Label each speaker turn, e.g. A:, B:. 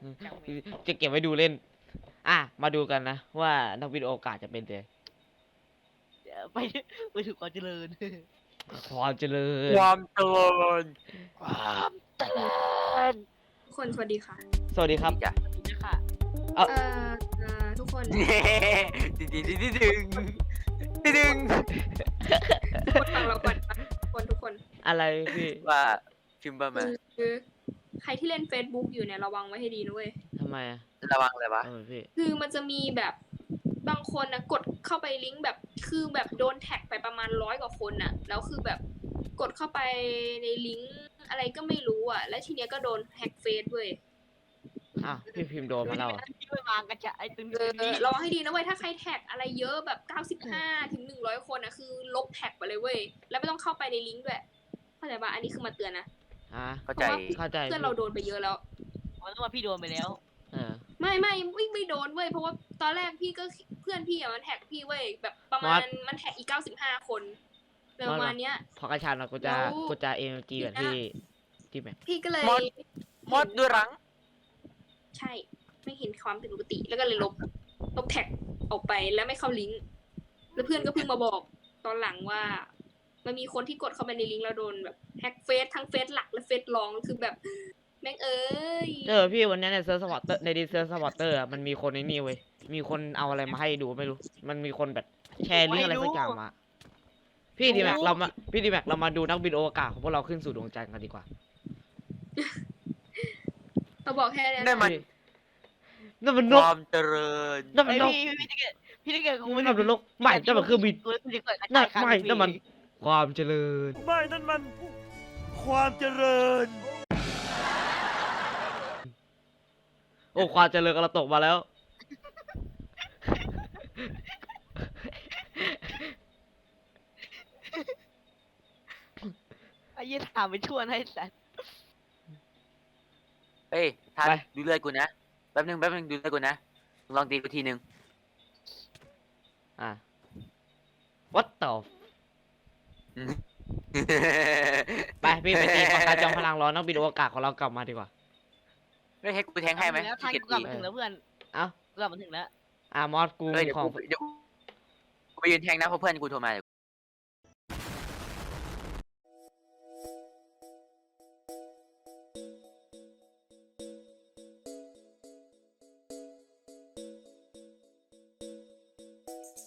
A: จะเก็บไว้ดูเล่นมาดูกันนะว่านักบินอวกาศจะเป็นไง
B: ไปไปถึงความเจริญ
A: ความเจริญ
C: ความเจริญ
B: ความเจริญ
D: ทุกคนสวัสดีค่ะ
A: สวัสดีครับ
C: จ้ะ
B: นี่ค่ะ
D: เอ่อทุกคน
C: ดึงดึงดึงดึงดึง
D: ทุกคนฟังเราก่อนนะทุกคน
A: อะไรพี่
C: ว่าพิมพ์บ้ามา
D: คือใครที่เล่น Facebook อยู่เนี่ยระวังไว้ให้ดีนะเว้ย
A: ทำไมอะ
C: ระวังเลยวะ
A: พี่
D: คือมันจะมีแบบบางคนนะกดเข้าไปลิงก์แบบคือแบบโดนแท็กไปประมาณ100 กว่าคนน่ะแล้วคือแบบกดเข้าไปในลิงก์อะไรก็ไม่รู้อ่ะ แล้วทีเนี้ยก็โดนแฮ็กเฟซเว้ย
A: พี่พิมพ์โดนมาแล้วเหรอ
B: ที่ไม่วางกันจะไอ้ตึง
D: ระวังให้ดีนะเว้ยถ้าใครแท็กอะไรเยอะแบบ95 ถึง 100 คนนะคือลบแท็กไปเลยเว้ยแล้วไม่ต้องเข้าไปในลิงก์ด้วยเข้าใจปะอันนี้คือมาเตือนนะ
C: เข้าใจ
A: เข้าใจ
D: เพื่อนเราโดนไปเยอะแล้ว
B: มันต้องมาพี่โดนไปแล้ว
D: ไม่โดนเว้ยเพราะว่าตอนแรกพี่ก็เพื่อนพี่อะมันแท็กพี่เว้ยแบบประมาณมันแท็กอีก95 คนประมาณเนี้ย
A: พอกระชากกูจะเอ็มจีแบบที่แม็ก
D: พี่ก็เลย
C: มดด้วยรัง
D: ใช่ไม่เห็นความผิดปกติแล้วก็เลยลบแท็กออกไปแล้วไม่เข้าลิงก์แล้วเพื่อนก็เพิ่งมาบอกตอนหลังว่ามันมีคนที่กดเข้าไปในลิงก์แล้วโดนแบบแฮ็กเฟซทั้งเฟซหลักและเฟซรองคือแบบแม่งเอ้ย
A: พี่วันนี้ในเซิร์ฟสปอร์เตอร์ในดิเซิร์ฟสปอร์เตอร์มันมีคนในนี่เว้ยมีคนเอาอะไรมาให้ดูไม่รู้มันมีคนแบบแชร์ลิงก์อะไรสักอย่างมาพี่ดีแม็กเรามาดูนักบินอวกาศของพวกเราขึ้นสู่ดวงจันทร์กันดีกว่า
D: เราบอกแค่นี้
C: ได้มัน
A: นั่นมัน
C: คน
A: ก
C: วามเจริญ
A: นั่นมันนก
B: พี่ได้เกิดกู
A: นั่นมันนกไม่นั่นมันเครื่องบินนั่นไม่นั่นมันความเจริญ
C: ไม่นั่นมันความเจริญ
A: โอ้ความเจริญกำลังตกมาแล้ว
B: ไอ้ยี่ถามไปชวนให้สัตว์
C: เฮ้ยทัน
A: ไป
C: ดูเลือดกูนะแป๊บนึงดูเลือดกูนะลองตีกูทีนึง
A: what the ไปพี่ไปตีปากกาจอมพลังร้อนนักบินอวกาศของเรากลับมาดีกว่า
C: ไม่ให้กูแทงให้ไหม
B: แล้วทางกูกลับมาถึงแล้วเพื่อน
A: เอ้า
B: กูกลับมาถึงแล้ว
A: มอสกู
C: เฮ้ยเดี๋ยว
A: ของ
C: กูไปยืนแทงนะเพราะเพื่อนกูโทรมาเดี๋ยว